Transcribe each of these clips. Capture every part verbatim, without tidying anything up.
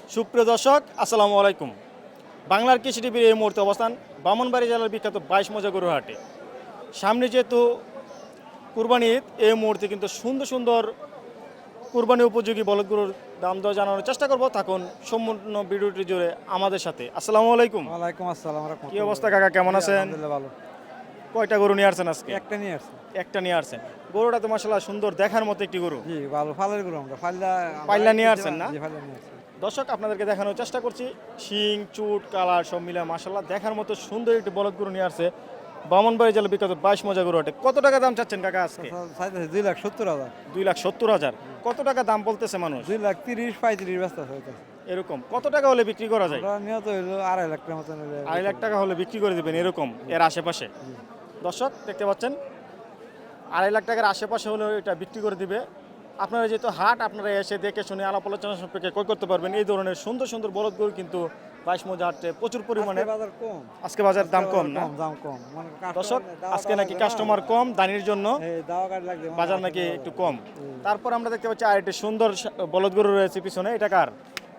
সুপ্রিয় দর্শক আসসালামু আলাইকুম। বাংলার কৃষি টিভির এই মুহূর্তে অবস্থান ব্রাহ্মণবাড়ী জেলার বিখ্যাত বাইশ মজা গরুর হাটে। সামনে যেহেতু কুরবানি ঈদ, এই মুহূর্তে কিন্তু সুন্দর সুন্দর কুরবানি উপযোগী বলদ গরুর দাম দর জানানোর চেষ্টা করব। থাকুন সম্পূর্ণ ভিডিওটি জুড়ে আমাদের সাথে। আসসালামু আলাইকুম। ওয়ালাইকুম আসসালাম। কি অবস্থা কাকা, কেমন আছেন? আলহামদুলিল্লাহ ভালো। কয়টা গরু নিয়ে আসছেন আজকে? একটা নিয়ে আসছি। একটা নিয়ে আসছেন। গরুটা তো মাশাআল্লাহ সুন্দর দেখার মতো একটি গরু। জি ভালো, ফালের গরু আমরা ফাল্লা পাল্লা নিয়ে আসছেন না? জি ফাল্লা নিয়ে আসছি। দর্শক আপনাদেরকে দেখানোর চেষ্টা করছি, শিং চুট কালার সব মিলে মাশাআল্লাহ দেখার মতো সুন্দর একটি বলদ গরু নিয়ে আসছে ব্রাহ্মণবাড়ী জেলা বিখ্যাত বাইশ মজা গরু হাটে। কত টাকা দাম চাচ্ছেন কাকা আজকে? চাইতেছে দুই লাখ সত্তর হাজার। দুই লাখ সত্তর হাজার। কত টাকা দাম বলতেছে মানুষ? দুই লাখ তিরিশ পঁয়ত্রিশ ব্যস্ত হইতেছে। এরকম কত টাকা হলে বিক্রি করা যায়? আমরা নিয়ত হইলো আড়াই লাখ টাকার মতন হইলে। আড়াই লাখ টাকা হলে বিক্রি করে দেবেন এরকম এর আশেপাশে। দর্শক দেখতে পাচ্ছেন আড়াই লাখ টাকার আশেপাশে হলে এটা বিক্রি করে দিবে। আপনারা যেহেতু হাট, আপনারা এসে দেখে শুনে আলাপ আলোচনা সম্পর্কে ক্রয় করতে পারবেন। এই ধরনের সুন্দর সুন্দর বলদ গরু কিন্তু বাইশ মজা হাটে প্রচুর পরিমাণে। আজকে বাজার কম। আজকে বাজার দাম কম না? দাম কম। মানে দর্শক আজকে নাকি কাস্টমার কম, দানির জন্য এই দাওয়া কাট লাগবে। বাজার নাকি একটু কম। তারপর আমরা দেখতে পাচ্ছি আর একটি সুন্দর বলদ গরু রয়েছে পিছনে। এটা কার?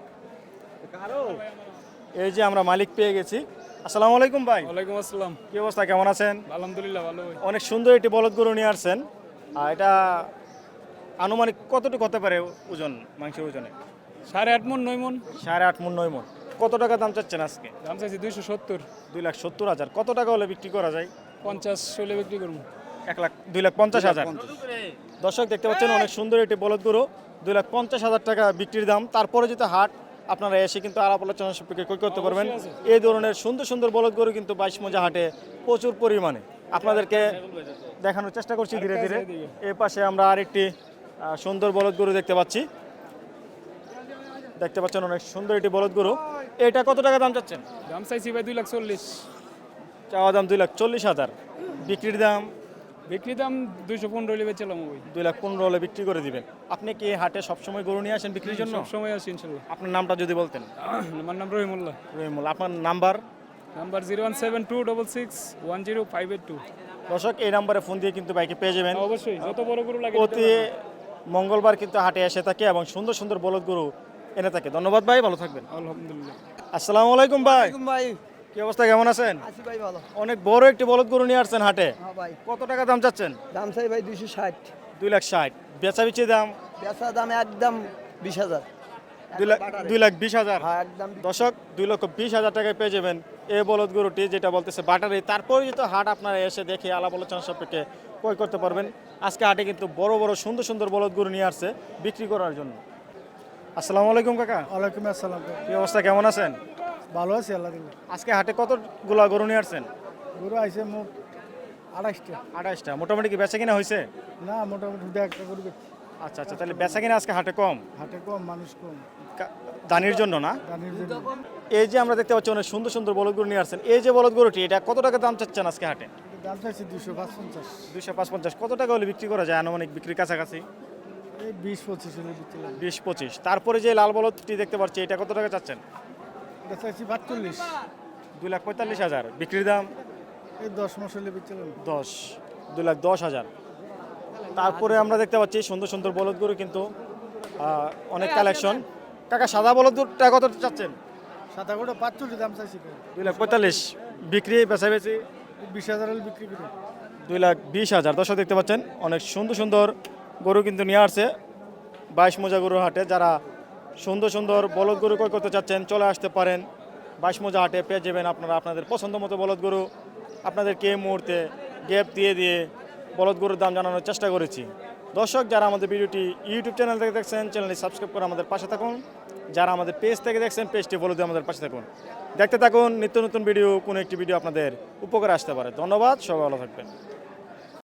কারো এই যে আমরা মালিক পেয়ে গেছি। আসসালামু আলাইকুম ভাই। ওয়ালাইকুম আসসালাম। কি অবস্থা, কেমন আছেন? আলহামদুলিল্লাহ ভালো। অনেক সুন্দর একটি বলদ গরু নিয়ে আসছেন। আর এটা আনুমানিক কতটুকু হতে পারে ওজন, মাংসের ওজনে? সাড়ে আট মন নয় মন। সাড়ে আট মন নয় মন। কত টাকা দাম চাচ্ছেন আজকে? দাম চাইছি দুইশো সত্তর। দুই লাখ সত্তর হাজার। কত টাকা হলে বিক্রি করা যায়? পঞ্চাশ হলে বিক্রি করবো। এক লাখ দুই লাখ পঞ্চাশ হাজার। দর্শক দেখতে পাচ্ছেন অনেক সুন্দর একটি বলদ গরু, দুই লাখ পঞ্চাশ হাজার টাকা বিক্রির দাম। তারপরে যেটা হাট, আপনারা এসে কিন্তু আলাপ আলোচনা সম্পর্কে ক্রয় করতে পারবেন। এই ধরনের সুন্দর সুন্দর বলদ গরু কিন্তু বাইশ মজা হাটে প্রচুর পরিমাণে আপনাদেরকে দেখানোর চেষ্টা করছি ধীরে ধীরে। এর পাশে আমরা আরেকটি আহ, সুন্দর বলদ গরু দেখতে পাচ্ছি। দেখতে পাচ্ছেন অনেক সুন্দর একটি বলদ গরু। এটা কত টাকা দাম চাচ্ছেন? দাম চাইছি ভাই দুই লাখ চল্লিশ। চাওয়া দাম দুই লাখ চল্লিশ হাজার। বিক্রির দাম বিক্রি দাম দুইশো পনেরো হলে বেচলাম ওই। দুই লাখ পনেরো হলে বিক্রি করে দিবেন। আপনি কি হাটে সবসময় গরু নিয়ে আসেন বিক্রির জন্য? সব সময় আসি ইনশাল্লাহ। আপনার নামটা যদি বলতেন। আমার নাম রহিমুল্লাহ। রহিমুল, আপনার number? Number zero one seven two double six one zero five eight two. দর্শক এই নাম্বারে ফোন দিয়ে কিন্তু বাইকে পেয়ে যাবেন। অবশ্যই যত বড় গরু লাগে প্রতি মঙ্গলবার কিন্তু হাটে এসে থাকে এবং সুন্দর সুন্দর বলদ গরু এনে থাকে। ধন্যবাদ ভাই, ভালো থাকবেন। আলহামদুলিল্লাহ। আসসালামু আলাইকুম ভাই। ভাই কি অবস্থা, কেমন আছেন? আছি ভাই ভালো। অনেক বড় একটি বলদ গরু নিয়ে আসছেন হাটে। হ্যাঁ ভাই। কত টাকা দাম চাচ্ছেন? দাম চাই ভাই দুইশো ষাট। দুই লাখ ষাট। বেচা বিচি দাম? বেচা দাম একদম বিশ হাজার। দুই লাখ দুই লাখ বিশ হাজার। হ্যাঁ একদম। দর্শক দুই লক্ষ বিশ হাজার টাকায় পেয়ে যাবেন এই বলদ গরুটি, যেটা বলতেছে বাটারি। তারপরে যেহেতু হাট, আপনারা এসে দেখে আলাপ আলোচনা সম্পর্কে ক্রয় করতে পারবেন। আজকে হাটে কিন্তু বড় বড় সুন্দর সুন্দর বলদ গরু নিয়ে আসছে বিক্রি করার জন্য। আসসালামু আলাইকুম কাকা। ওয়ালাইকুম আসসালাম। কি অবস্থা, কেমন আছেন? ভালো আছি আল্লাহ দিলে। আজকে হাটে কতগুলা গরু নিয়ে আসছেন? গরু আইসে মোট আড়াইশটা। আঠাশটা। মোটামুটি কি বেচা কিনা হয়েছে? না মোটামুটি দু একটা গরু বেচছি। আচ্ছা আচ্ছা, তাহলে বেচা কিনা আজকে হাটে কম, হাটে কম, মানুষ কম, কা- দানির জন্য না? দানির জন্য। এই যে আমরা দেখতে পাচ্ছি অনেক সুন্দর সুন্দর বলদ গরু নিয়ে আসছেন। এই যে বলদ গরুটি, এটা কত টাকা দাম চাচ্ছেন আজকে হাটে? এটা দাম চাইছি দুশো পাঁচ পঞ্চাশ। দুইশো পাঁচ পঞ্চাশ। কত টাকা হলে বিক্রি করা যায় আনুমানিক বিক্রির কাছাকাছি? এই বিশ পঁচিশ হলে দিতে লাগে। বিশ পঁচিশ। তারপরে যে লাল বলদটি দেখতে পাচ্ছি, এটা কত টাকা চাচ্ছেন? এটা চাইছি বাহাত্তল্লিশ। দুই লাখ পঁয়তাল্লিশ হাজার। বিক্রির দাম এই দশ মাস হলে দিতে লাগে। দশ। দুই লাখ দশ হাজার। তারপরে আমরা দেখতে পাচ্ছি সুন্দর সুন্দর বলদ গরু কিন্তু আহ, অনেক কালেকশন। কাকা সাদা বলদটা কত চাচ্ছেন? সাদা গরুটা পাঁচচল্লিশ দাম চাইছি। দুই লাখ পঁয়তাল্লিশ। বিক্রি বেচা বেচি বিশ হাজার হলে বিক্রি করে। দুই লাখ বিশ হাজার। দর্শক দেখতে পাচ্ছেন অনেক সুন্দর সুন্দর গরু কিন্তু নিয়ে আসছে বাইশ মোজা গরুর হাটে। যারা সুন্দর সুন্দর বলদ গরু ক্রয় করতে চাচ্ছেন চলে আসতে পারেন বাইশ মোজা হাটে। পেয়ে যাবেন আপনারা আপনাদের পছন্দ মতো বলদ গরু। আপনাদেরকে এই মুহূর্তে গ্যাপ দিয়ে দিয়ে বলদ গরুর দাম জানানোর চেষ্টা করেছি। দর্শক যারা আমাদের ভিডিওটি ইউটিউব চ্যানেল থেকে দেখছেন, চ্যানেলটি সাবস্ক্রাইব করে আমাদের পাশে থাকুন। যারা আমাদের পেজ থেকে দেখছেন, পেজটি ফলো দিয়ে আমাদের পাশে থাকুন। দেখতে থাকুন নিত্য নতুন ভিডিও, কোনো একটি ভিডিও আপনাদের উপকারে আসতে পারে। ধন্যবাদ, সবাই ভালো থাকবেন।